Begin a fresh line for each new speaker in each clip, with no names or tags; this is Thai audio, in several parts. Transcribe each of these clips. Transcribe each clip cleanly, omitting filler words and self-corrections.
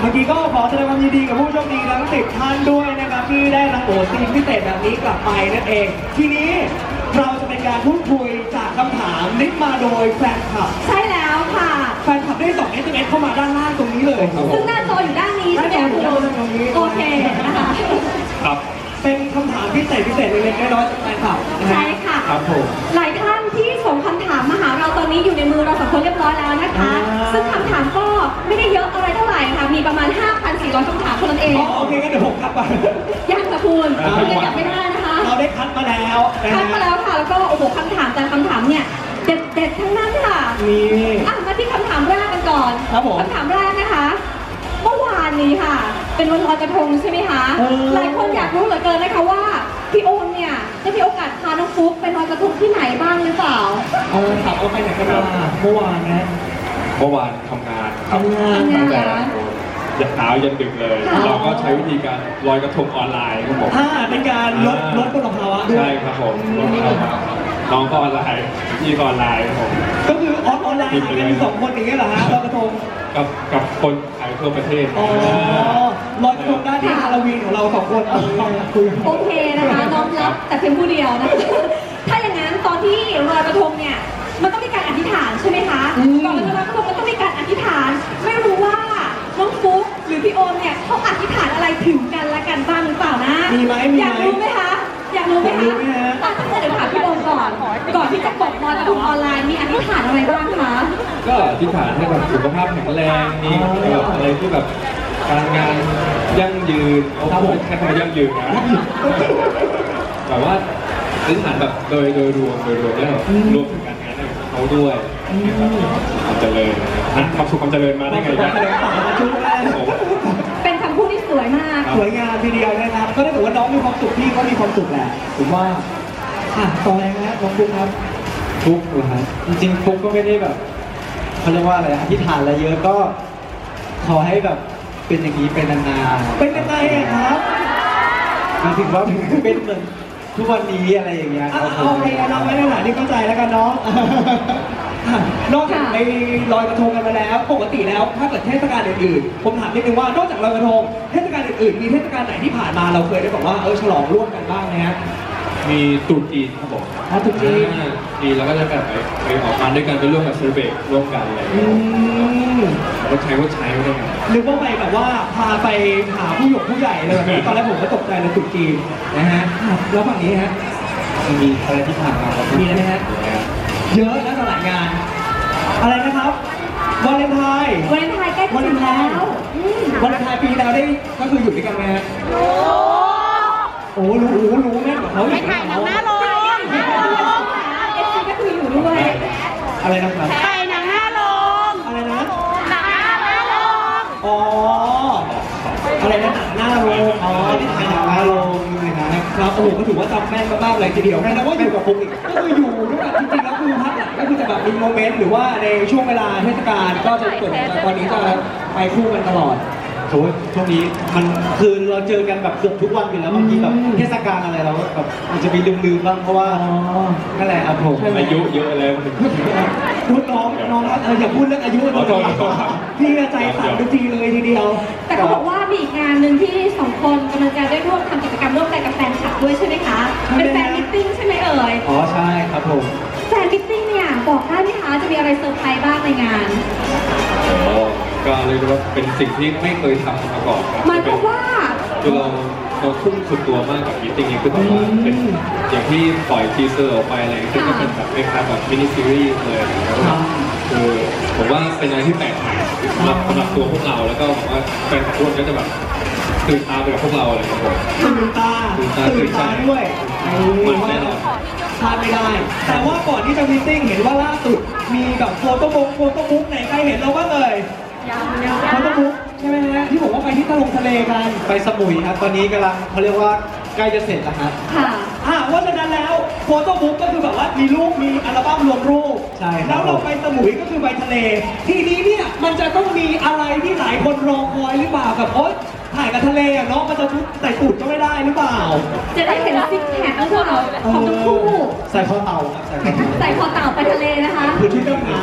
เมื่อกี้ก็ขอแสดงความยินดีกับผู้โชคดีทั้ง10ท่านด้วยนะครับที่ได้รับโอทีมพิเศษแบบนี้กลับไปนั่นเองทีนี้เราจะเป็นการพูดคุยจากคำถามลิสต์มาโดยแฟนคลับ
ใช่แล้วค่ะ
แฟนคลับได้ส่ง SMS เข้ามาด้านล่างตรงนี้เลย
ซึ่งหน้าจออยู่ด้านนี้ใช่ไหมคุณโอเคนะคะ
ครับ
เป็นคำถามพิเศษเล็กๆน้อยๆจากแฟนคลับนะฮะ
ใช่ค่ะ
ครับผม
หลายท่านที่ส่งคำถามมาหาเราตอนนี้อยู่ในมือเราสองคนเรียบร้อยแล้วนะคะ ซึ่งคำถามก็ไม่ได้เยอะอะไรเท่าไหร่ค่ะ มีประมาณ 5,400 คำถามเท่านั้นเอง
อ๋อโอเคงั้นเดี๋ยวผมกลับไป
ยังค่ะคุณคุณยังกลับไม่ได้นะคะ
เราได้คัดมาแล้วนะ
คั
ฮะ
ดมาแล้วค่ะ แล้วก็โอ้โหคำถามแต่คำถามเนี่ยเด็ดๆทั้งนั้นค่ะ
นี่
มาที่คำถามแรกกันก่อน
ครับผม
คำถามแรกนะคะ เมื่อวานนี้ค่ะ เป็นวันลอยกระทงใช่ไหมคะ หลายคนอยากรู้เหลือเกินนะคะว่าพี่โอมเนี่ยจะมีโอกาสพาน้องฟุ๊กไปลอยกระทงที่ไหนบ้างหรือเปล่า
ถามเอาไปไหนกันมาเมื่อวานนะ
เมื่อวานทำงานครับ
ทำงาน
ตั้งแต่ยันเช้ายันดึกเลย
ค่ะ
เราก็ใช้วิธีการลอยกระทงออนไลน์ครับผม
เป็นการลดมลภาวะด้วย
ใช่ครับผมลดเข้ามาน้องก็ออนไลน์พี่ก็ออนไลน์ครับผม
ก็คือออนไลน์หากันอยู่2 คนอย่างเงี้ยเหรอฮะลอยกระทง
กับคนขายทั่วประเทศ
อ๋อลอยกระทงได้ที่ฮาโลวีนของเรา2 คนคุย
โอเคนะคะน้อมรับแต่เพียงผู้เดียวนะคะถ้าอย่างนั้นตอนที่ลอยกระทงเนี่ยมันต้องมีการอธิษฐานใช่ไหมคะก่อนจะลอยกระทงมันต้องมีการอธิษฐาน ไม่รู้ว่าน้องฟุ๊กหรือพี่โอมเนี่ยเขาอธิษฐานอะไรถึงกันและกันบ้างหรือเปล่านะ
มีไหม
อยากรู้ไหมคะอยากรู้ไหม
อยากรู้ไหม
คะ
ฮะ
เดี๋ยวถามพี่โอมก่อนที่จะกดลอยกระทงออนไลน์มีอธิษฐานอะไรบ้างคะ
ก็อธิษฐานให้แบบสุขภาพแข็งแรงมีแบบอะไรที่แบบการงานยั่งยืนเอาใช้คำว่ายั่งยืนนะแบบว่าอธิษฐานแบบโดยรวมแล้วรวมถึงการงานของเขาด้วยความเจริญความสุขความเจริญมาได้ไง
การแสดงต่างกันชุดแรก
เป็นคำพูดที่สวยมาก
สวยงามทีเดียวนะครับ ก็ได้ถือว่าน้องมีความสุขพี่ก็มีความสุขแหละผมว่าต่อเลยนะน้องฟุ๊กครับ
ฟุกเหรอฮะจริงๆฟุกก็ไม่ได้แบบเขาเรียกว่าอะไรอธิษฐานอะไรเยอะก็ขอให้แบบเป็นอย่างนี้เป็นนานๆ
เป็นยังไงอะครับ
หมายถึงว่าเป็นเหมือนทุกวันนี้อะไรอย่างเงี้ยครับผม
โอเคน้องไม่ได้หาที่เข้าใจแล้วกันน้อง นอกจากไปลอยกระทงกันมาแล้ว ปกติแล้วถ้าเกิดเทศกาลอื่นๆผมถามนิดนึงว่านอกจากลอยกระทงเทศกาลอื่นๆมีเทศกาลไหนที่ผ่านมาเราเคยได้บอกว่าฉลองร่วมกันบ้างไหมฮะ
มีตรุษจีนครับผม
ตรุษจีน
จีนแล้วก็จะแบบไปออกงานด้วยกันไปร่วมกับเซอร์เบกร่วมกันอะไรอย่างเงี้ยรถใช้ไม่ได้ไง
หรือว่าไปแบบว่าพาไปหาผู้ใหญ่อะไรแบบนี้ตอนแรกผมก็ตกใจเลยตรุษจีนนะฮะแล้วฝั่งนี้ฮะ
มีอะไรที่ผ่านมาครับ
มีอะไรไหมฮะเยอะนะตลาดงาน อะไรนะครับวาเลนไทน์
วาเลนไทน์ใกล้จะถึงแล้ว
วาเลนไทน์ปีแล้วได้ก็คืออยู่ด้วยกันไหมฮะโอ้รู้แม่กว่าเขาอีก
เอฟซีก็คืออยู่ด้วย
อะไรนะครับ
ไปหนังหน้าโรง
อะไรนะ
หนังหน้าโรง
อ๋ออะไรนะหน้าโรงอ๋อที่ถ่ายหนังหน้าโรงนะครับโอ้โหก็ถือว่าจำแม่นมากๆเลยทีเดียวนะว่าอยู่กับผมอีกก็คืออยู่ด้วยกันจริงๆแล้วคือพักหลังก็คือจะแบบมีโมเมนต์หรือว่าในช่วงเวลาเทศกาลก็จะส่วนตอนนี้จะไปคู่กันตลอด
โอ้ยช่วงนี้มันคือเราเจอกันแบบเกือบทุกวันอยู่แล้วบางทีแบบเทศกาลอะไรเราก็แบบมันจะมีลืมๆบ้างเพราะว่านั่นแหละครับผม
อายุเยอะแล้วมันถึง
พูดน้องครับอย่าพูดเรื่องอายุเลยพี่ใจสั่นทุกทีเลยทีเดียว
แต่เขาบอกว่ามีอีกงานหนึ่งที่สองคนกำลังจะได้ร่วมทำกิจกรรมร่วมกันกับแฟนคลับด้วยใช่ไหมคะ เป็นแฟนมิทติ้งใช่ไหมเอ่ย
อ๋อใช่ครับผม
แฟนมิทติ้งเนี่ยบอกได้ไหมคะจะมีอะไรเซอร์ไพรส์บ้างในงาน
ก็เรียกได้ว่าเป็นสิ่งที่ไม่เคยทำมาก่อนครับ
หมายความว่า
คือเราทุ่มสุดตัวมากกับมิทติ้งนี้คือแบบว่าเป็นอย่างที่ปล่อยทีเซอร์ออกไปอะไรอย่างเงี้ยก็เป็นแบบคล้ายๆแบบมินิซีรีส์เลยนะครับคือผมว่าเป็นอะไรที่แปลกใหม่สำหรับตัวพวกเราแล้วก็ผมว่าแฟนคลับทุกคนก็จะแบบตื่นตาไปกับพวกเราอะไรอย่างเงี้ยครับ
ตื่นตาด้วย
มันแน่นอน
พลาดไม่ได้ แต่ว่าก่อนที่จะมีตติ้งเห็นว่าล่าสุดมีแบบโฟโต้บุ๊กไหนใครเห็นเราบ้างเอ่ยโฟโต้บุ๊กใช่ไหมฮะที่บอกว่าไปที่ทะเลกัน
ไปสมุยครับตอนนี้กำลังเขาเรียกว่าใกล้จะเสร็จแล้วครับ
ค่ะ
ว่าฉะนั้นแล้วโฟโต้บุ๊กก็คือแบบว่ามีรูปมีอัลบั้มรวมรูป
ใช่ครับ
แล้วเราไปสมุยก็คือไปทะเล ทีนี้เนี่ยมันจะต้องมีอะไรที่หลายคนรอคอยหรือเปล่ากับถ่ายกับทะเลอะเนาะมันจะชุดใส่สูทก็ไม่ได้หรือเปล่า
จะได้เห็นซิกแพคของเราของทั้งคู่
ใส่ข้อเต่าครับใส่ข้อเต่า
ใส่คอเต่าไปทะเลนะคะ
คือชุดดำน้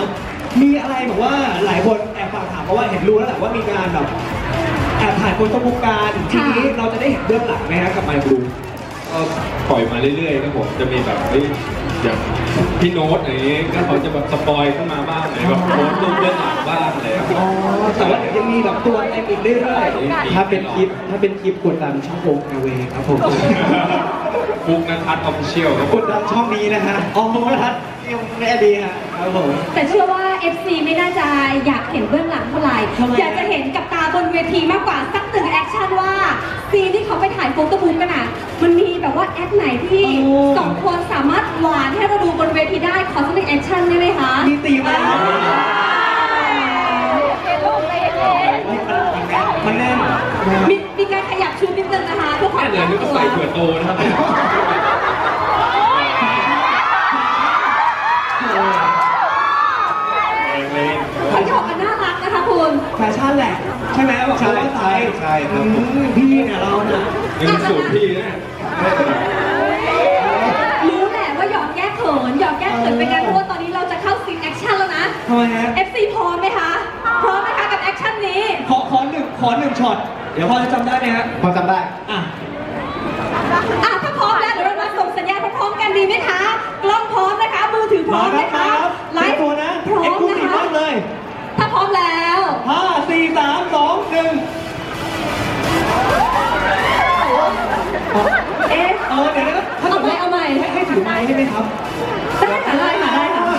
มีอะไรแบบว่าหลายคนแอบฝากถามเพราะว่าเห็นรู้แล้วแหละว่ามีการแบบแอบถ่ายโฟโต้บุ๊กการทีนี้เราจะได้เห็นเบื้องหลังไหมฮะกับไมค์บลู
ก็ปล่อยมาเรื่อยๆครับผมจะมีแบบอย่างพี่โน้ตอย่างนี้ก็เขาจะแบบสปอยเข้ามาบ้างเลยแบบโพสต์รูปเบื้องหลังบ้างอะไรครับ
อ๋อแต่ว่าเดี๋ยวยังมีแบบตัวเต็มอีกเรื่อย
ถ้าเป็นคลิปกดดันช่องโอ๊กเวครับผม
ฟุกนัทัศน์ออฟฟิเชียลครับผ
ก
ม
ดดันช่องนี้นะฮะอ๋อไม่ทัดยังแน่ดีฮะครับผม
แต่เชื่อว่า FC ไม่น่าจะอยากเห็นเบื้องหลังเท่าไหร่ อยากจะเห็นกับตาบนเวทีมากกว่าสักหนึ่งแอคชั่นว่าซีนที่เขาไปถ่ายโฟโต้บุ๊กกันอ่ะ มันมีแบบว่าแอคไหนที่สองคนสามารถหวานให้เราดูบนเวทีได้ ขอสักหนึ่งแอคชั่นได้ไหมคะ
ๆมีตีมอะไรครับมันแน่น
มีการขยับชูนิดนึงนะคะเพื่อความ
แค่เลยนึกว่าใส่เผื่อโตนะครับ
เขาหยอกกันน่ารักนะคะคุณ
แฟชั่นแหละ ใช่ไหมบอก
ใช่
ว่าใส่
ใช่ครับ
พี่เนี่ยเราเนี่ย
ยังสูตรพี่นะ
รู้แหละว่าหยอกแก้เขินหยอกแก้เขินเป็นไงเพราะว่าตอนนี้เราจะเข้าซีนแอคชั่นแล้วนะ
ทำไมฮะ
FC พร้อมไหมคะ พร้อมไหมคะกับแอคชั่นนี้
ขอหนึ่งช็อต เดี๋ยวพอจะจำได้ไหมฮะ
พอจำได้
อ่ะ
ถ้าพร้อมแล้วเดี๋ยวเรามาส่งสัญญาณพร้อมๆกันดีไหมคะ กล้องพร้อมนะคะ มือถือพร้อมไหมคะ
ไลฟ์ตัวนะ
พร้อ
เอ็ก
ม
ซ์คลู
นะ
ซีฟ
คะ
มากเลย
ถ้าพร้อมแล้ว
5 4 3 2 1
เอ๊ะ
เดี๋ยวนะถ้า
เอาใหม่
ให้ถือไม้ได้ไหมครับ
ได้ค่ะได้ค่ะได้ค่ะ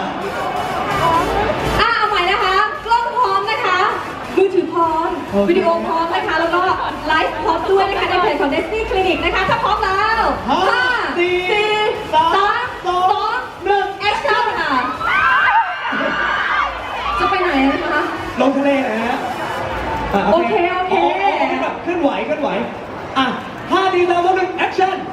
เอาใหม่นะคะ กล้องพร้อมนะคะ มือถือพร้อม วิดีโอพร้อมนะคะ แล้วก็ไลฟ์พร้อมด้วยนะคะในเพจของ Destiny Clinic นะคะ ถ้าพร้อมแล้ว
5 4 3 2 1
แอคชั่นค่ะ จะไปไหนนะคะ
ลงทะเลนะฮะ
โอเค
แบบเคลื่อนไหวอ่ะ5 4 3 2 1 แอคชั่น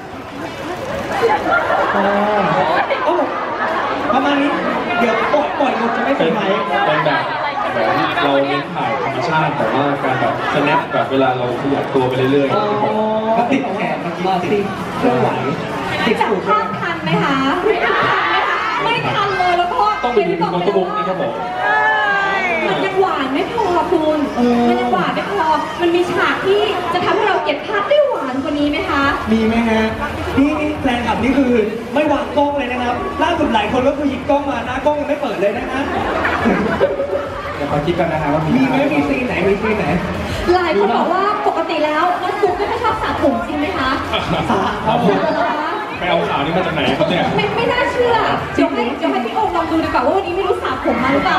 ประมาณนี้ เดี๋ยวปล่อยหมดจะไม่
เป็
เป็น นไร
เป็นแบบเราเน้นถ่ายธรรมชาติแต่ว่าการแบบสแนปแบบเวลาเราขยับตัวไปเรื่อยๆนะครับผม
ก็ติดแขนเมื่อกี้ติดเคลื่อนไหวติด
จับ
สูบ
ภาพทันไหมคะไม่ทันเลยแล้วก็
ต้องไปดูในโฟโต้บุ๊กนะครับผม
มันยังหวานไม่พอคุณมันยังหวานไม่พอ มันมีฉากที่จะทำให้เราเก็บภาพได้หวานกว่านี้ไหมคะ
มีไหมฮะนี่แฟนคลับนี่คือไม่วางกล้องเลยนะครับล่าสุดหลายคนก็คือหยิบกล้องมาหน้ากล้องยังไม่เปิดเลยนะฮะ
เดี๋ยวขอคิดกันนะครับว่ามี
มีไหมมีซีนไหนมีซีนไหน
หลายคนบอกว่าปกติแล้วน้องฟุ๊กไม่ค่อยชอบสระผมจริงไหมคะ
สาครับผม
เหรอคะ
ไปเอาข่าวนี้มาจากไหนครับเนี่ย
ไม่น่าเชื่อเดี๋ยวให้พี่โอ๊คลองดูดีกว่าว่าวันนี้ไม่รู้สระผมมาหรือเปล่า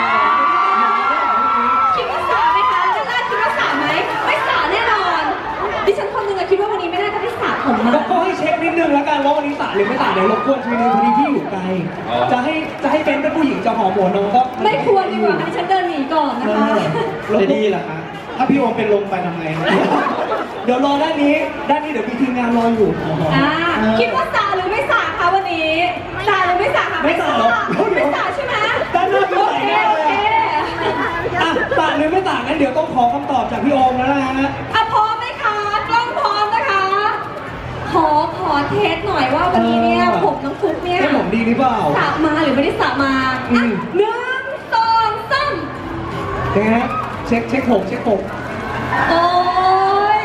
คิดว่าสระไหมคะด้านล่างคิดว่าสระไหม ไม่สระแน่นอน ดิฉันคนหนึงอะคิดว่าวันนี้ไม่น่าจะได้สระผมมา
ก็ให้เช็คนิดนึงแล้วกันว่าวันนี้สาหรือไม่สาเดี๋ยวรบกวนทีนึงพอดีพี่อยู่ไกล
อ๋อ
จะให้เป็นผู้หญิงจะหอมหัวน้องก็
ไม่ควรดีกว่าดิฉันเดินหนีก่อนนะคะ
จะดีเหรอคะถ้าพี่โอมเป็นลมไปทำไงนะ
เดี๋ยวรอด้านนี้เดี๋ยวมีทีมงานรออยู่
คิดว่าสระหรือไม่สระคะวันนี้สระหรือไม่สระคะ
ไม่สระหรอก
ไม่สระใช่ไหม
ด้านหน้ามี
โอ
ใส่
เค
แน่
โอ
เลย
เค
อ่ะสาหรือไม่สางั้นเดี๋ยวต้องขอคำตอบจากพี่โอมแล้วนะฮะ
พร้อมไหมคะ กล้องพร้อมนะคะ ขอเทสหน่อยว่าวันนี้เนี่ยผมน้องฟุ๊กเนี่ย
ให้ผมดีหรือเปล่า
สระมาหรือไม่ได้สระมาอ่ะ1 2 3
ยังไงฮะเช็คผม
โอ้ย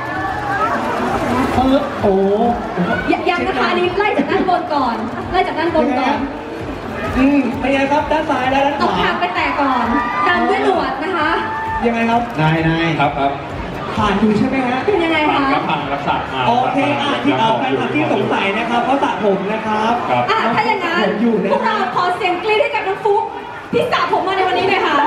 โอ้
ยังนะคะอันนี้ไล่จากด้านบนก่อน ไล่จากด้านบนก่อน
เป็นไงครับด้านซ้ายและด้านข
เอา
วา
คางไปแตะก่อนตามด้วยหนวดนะคะ
ยังไงครับ
นาย
ครับ
ผ่านอยู่ใช่ไหมฮะ
เป็นยังไง
ผ่าน
คะ
ก็ผ่านรักษามา
โอเคที่แฟนคลับที่สงสัยนะครับเขาสระผมนะครับ
ครับ
ถ้าอย่างนั้น
ผมอยู่นะ
พวกเราขอเสียงกรี๊ดให้กับน้องฟุ๊กที่สระผมมาในวันนี้หน่อยค่ะ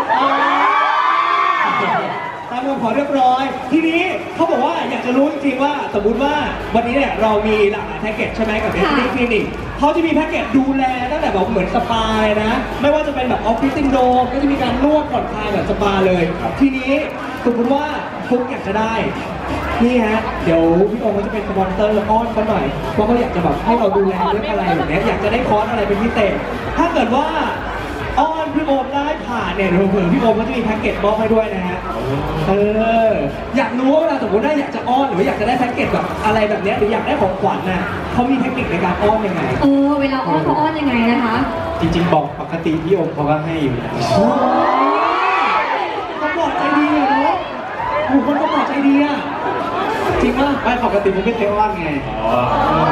ตามคำขอเรียบร้อย ทีนี้เขาบอกว่าอยากจะรู้จริงๆว่าสมมุติว่าวันนี้เนี่ยเรามีหลากหลายแพ็กเกจใช่ไหมกับ Destiny Clinic เขาจะมีแพ็กเกจดูแลตั้งแต่แบบเหมือนสปาเลยนะ ไม่ว่าจะเป็นแบบออฟฟิศซินโดรมก็จะมีการนวดผ่อนคลายแบบสปาเลย ทีนี้สมมติว่าฟุกอยากจะได้ นี่ฮะ เดี๋ยวพี่โอมก็จะเป็นสปอนเซอร์อ้อนเขาหน่อยว่าเขาอยากจะแบบให้เราดูแลเรื่องอะไรแบบเนี้ยอยากจะได้คอร์สอะไรเป็นพิเศษ ถ้าเกิดว่าอ้อนพี่โอมได้ผ่านเนี่ยเดี๋ยวเผื่อพี่โอมก็จะมีแพ็กเกจมอบให้ด้วยนะฮะ อยากรู้ว่าเวลาสมมติว่าอยากจะอ้อนหรือว่าอยากจะได้แพ็กเกจแบบอะไรแบบเนี้ยหรืออยากได้ของขวัญน่ะเขามีเทคนิคในการอ้อนยังไง
เวลาอ้อนเขาอ้อนยังไงนะคะ
จริงๆบอกปกติพี่โอมเขาก็ให้อยู่แล้ว
โอ้ยเขาบอกใจดีอะเนาะโอ้โหคนเขาบอกใจดีอะจริงป่ะ
ไม่ปกติผมไม่เคยอ้อนไง
อ๋อ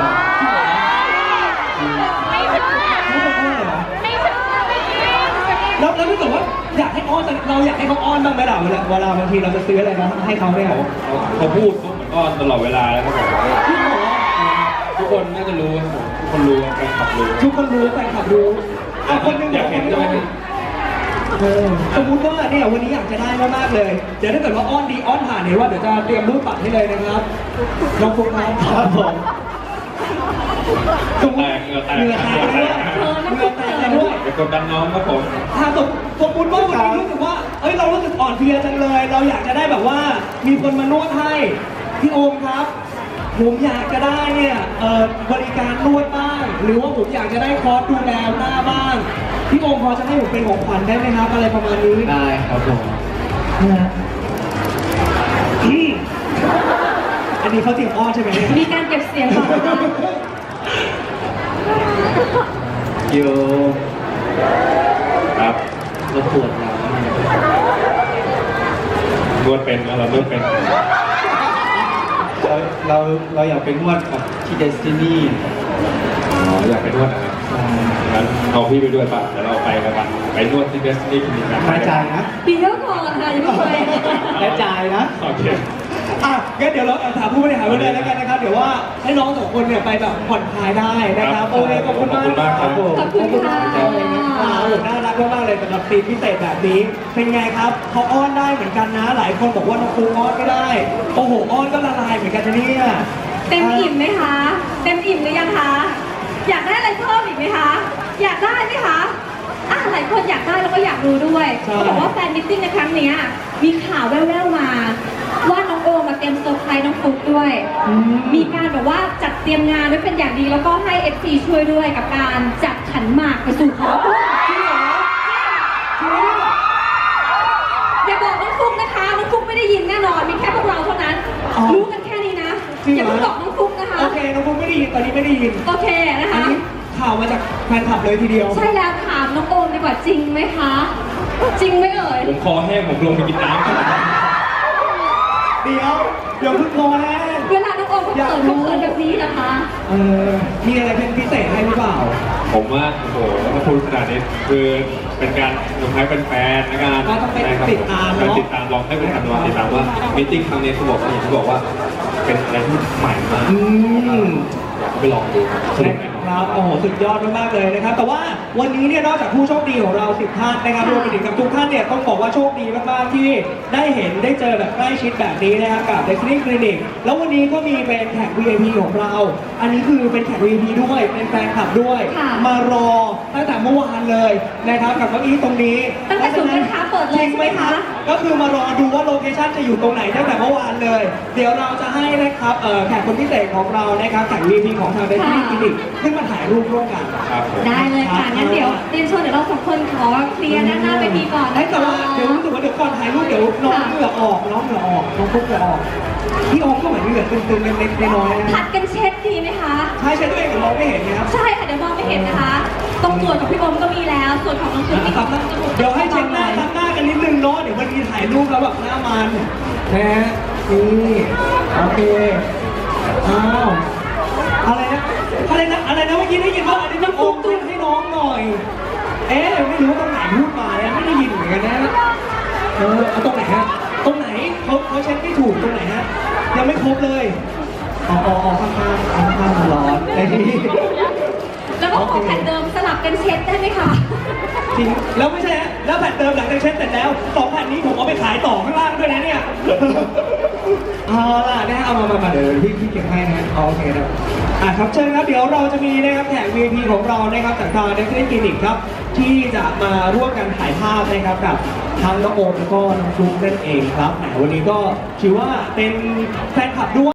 ไม่เชื่อ
ไม่เคยอ้อนเลยเหรอ
ไม่เชื่อไม่จริง
แล้วถ้าเกิดว่าอยากให้อ้อนเราอยากให้เขาอ้อนบ้างไหมล่ะเวลาบางทีเราจะซื้ออะไรมาให้เขาเนี่ย
เขาพูดเขาเหมือนอ้อนตลอดเวลาแล้วครับผม
พี่บอกว่า
ทุกคนน่าจะรู้ครับผมทุกคนรู้แฟนคลับรู้
ทุกคนรู้แฟนคลับรู้อ่ะคนหนึง
อยากเห็นใช่ไหม
สมมติว่าเนี่ยวันนี้อยากจะได้มากๆเลย เดี๋ยวถ้าเกิดว่าอ้อนดีอ้อนผ่านเนี่ยว่าเดี๋ยวจะเตรียมรูปบัตรให้เลยนะครับลองฟุกครับ
ครับผม
สมมติเหงื่อแตกด้วยเหงื่อแตกด้วย
ไปกดดันน้องครับผม
ถ้าสมมติว่าวันนี้รู้สึกว่าเอ้ยเรารู้สึกอ่อนเพลียจังเลย เราอยากจะได้แบบว่ามีคนมานวดให้พี่โอมครับ ผมอยากจะได้เนี่ยบริการนวดบ้าง หรือว่าผมอยากจะได้คอร์สดูแลหน้าบ้างพี่โอมพอจะให้ผมเป็นของขวัญได้ไหมครับ อะไรประมาณนี้
ได้ครับผม
อันนี้เขาเตรียมอ้อนใช่ไหมเนี่ย
มีการเก็บเสียงก่อนนะ
โย
ครับ
เราปวดหลัง
นวดเป็นนะเรานวดเป็น
เราอยากไปนวดกับที่เดสตินี
อ๋ออยากไปนวดนะครับงั้นเอาพี่ไปด้วยป่ะเดี๋ยวเราไปกันไปนวดที่เดสนีย์คลินิกกัน
กระจายนะ
ปีเดียวก่อนค่ะยังไม่ไป
กระจายนะ
โอเค
อ่ะงั้นเดี๋ยวเราถามผู้บริหารไปเลยแล้วกันนะครับ เดี๋ยวว่าให้น้องสองคนเนี่ยไปแบบผ่อนคลายได้นะครับโอเคขอบคุณมาก
ขอบคุณมากครับ
ผม
ขอบคุณค่ะ
ขอบคุณนะครับน่ารักมากๆเลยสำหรับทีมพิเศษแบบนี้ เป็นไงครับเขาอ้อนได้เหมือนกันนะ หลายคนบอกว่าน้องฟูอ้อนไม่ได้ โอ้โหอ้อนก็ละลายเหมือนกันนะเนี่ย
เต็มอิ่มไหมคะ เต็มอิ่มหรือยังคะ อยากได้อะไรเพิ่มอีกไหมคะ อยากได้ไหมคะหลายคนอยากได้แล้วก็อยากรู้ด้วยเขาบอกว่าแฟนมิทติ้งในครั้งเนี้ยมีข่าวแว่วๆมา ว่าน้องโอมาเตรียมเซอร์ไพรส์น้องฟุ๊กด้วย มีการแบบว่าจัดเตรียมงานไว้เป็นอย่างดีแล้วก็ให้ FC ช่วยด้วยกับการจัดขันหมากไปสู่ขอพร
จริงเหรอจริงเหรอ
อย่าบอกน้องฟุ๊กนะคะ น้องฟุ๊กไม่ได้ยินแน่นอน มีแค่พวกเราเท่านั้น รู้กันแค่นี้นะ อย่าเพิ่งบอกน้องฟุ๊กนะคะ
โอเคน้องฟูไม่ได้ยินตอนนี้ไม่ได้ยิน
โอเคนะ
อัน
คะ
นี้ข่าวมาจากแฟนคลับเลยทีเดียว
ใช่แล้วถามน้องโอมดีกว่าจริงไหมคะ จริงไหมเอ่ย
ผมคอแห้งผมลงไปกินน้ำก่อน
เดี๋ยวเพิ่งโทรแน่
เวลาน้องโอมเขาเขินเขาเขินแบบนี้นะคะ
มีอะไรเป็นพิเศษให้หรือเปล่า
ผมว่าโอ้โหถ้าพูดขนาดนี้คือเป็นการลงท้ายเป็นแฟนในการ
ก็ต้องไปติดตามเนอะ
ไปติดตามลองให้เป็นการลองติดตามว่ามิ팅ครั้งนี้เขาบอกว่าอย่างที่บอกว่าเป็นอะไรที่ใหม่มาก
อืม
อยากไปลองดูสนุกแน่นอน
ครับโอ้โหสุดยอดมากๆเลยนะครับ แต่ว่าวันนี้เนี่ยนอกจากผู้โชคดีของเรา10ท่านนะครับรวมไปถึงกับทุกท่านเนี่ยต้องบอกว่าโชคดีมากๆที่ได้เห็นได้เจอแบบใกล้ชิดแบบนี้นะครับกับ Destiny Clinic แล้ววันนี้ก็มีเป็นแขก VIP ของเรา อันนี้คือเป็นแขก VIP ด้วยเป็นแฟนคลับด้วย
ค่ะ
มารอตั้งแต่เมื่อวานเลยนะครับกับเก้าอี้ตรงนี้
ตั้งแต่ศูนย์การค้าเปิดเลย
จริงไหม
ใช่ไหม
คะ
คะ
ก็คือมารอดูว่าโลเคชั่นจะอยู่ตรงไหนตั้งแต่เมื่อวานเลย เดี๋ยวเราจะให้นะครับแขกคนพิเศษของเรานะครับแขก VIP ของทาง Destiny Clinic ขึ้นมาถ่ายรูปร่วมกัน
ครับผม
ได้เลยค่ะ งั้นเดี๋ยวเรียนเชิญเดี๋ยวเราสองคนขอเคลียร์ด้านหน้าเวทีก่อน
เฮ้ย
นะ
แต่
คะ
ว่าเดี๋ยวรู้สึกว่าเดี๋ยวก่อนถ่ายรูปเดี๋ยวน้องเหงื่อออกน้องฟุ๊กเหงื่อออกพี่โอมก็เหมือนเหงื่อตึงๆเล็กๆน้อยๆ
ผั
นะ
ดกันเช็ดดีไหมคะ
ใช่ใช่ตัวเองแต่มองไม่เห็นนะครับ
ใช่ค่ะเดี๋ยวมองไม่เห็นนะคะ ตรงส่วนของพี่โอมก็มีแล้ว ส่วนของน้องฟุ๊กมี
ครับเดี๋ยวให้เช็คหน้าทำหน้ากันนิดนึงเนาะเดี๋ยววันนี้ถ่ายรูปแล้วแบบหน้ามันนะฮะนี่โอเคอ้าวอะไรนะเมื่อกี้ได้ยินว่าอันนี้ต้องโอมเช็ดให้น้องหน่อย เอ๊ะไม่รู้ว่าตรงไหนพูดมาเนี่ยไม่ได้ยินเหมือนกันนะเอาตรงไหนฮะตรงไหนเขาเช็คไม่ถูกตรงไหนฮะยังไม่ครบเลยอ๋อข้างๆมันร้อนไอ้นี่
แล้วก็ขอแผ่นเดิมสลับกันเช็ดได้ไหมคะ
จริงแล้วไม่ใช่ฮะแล้วแผ่นเติมหลังจากเช็ดเสร็จแล้ว2แผ่นนี้ผมเอาไปขายต่อข้างล่างด้วยนะเนี่ยเอาล่ะนะเอามาเดี๋ยวพี่เก็บให้นะโอเคนะครับเชิญครับเดี๋ยวเราจะมีนะครับแขก VIP ของเรานะครับจากทาง Destiny Clinic ครับที่จะมาร่วมกันถ่ายภาพนะครับกับทั้งน้องโอมแล้วก็น้องฟลุ๊กนั่นเองครับแหมวันนี้ก็ถือว่าเป็นแฟนคลับด้วย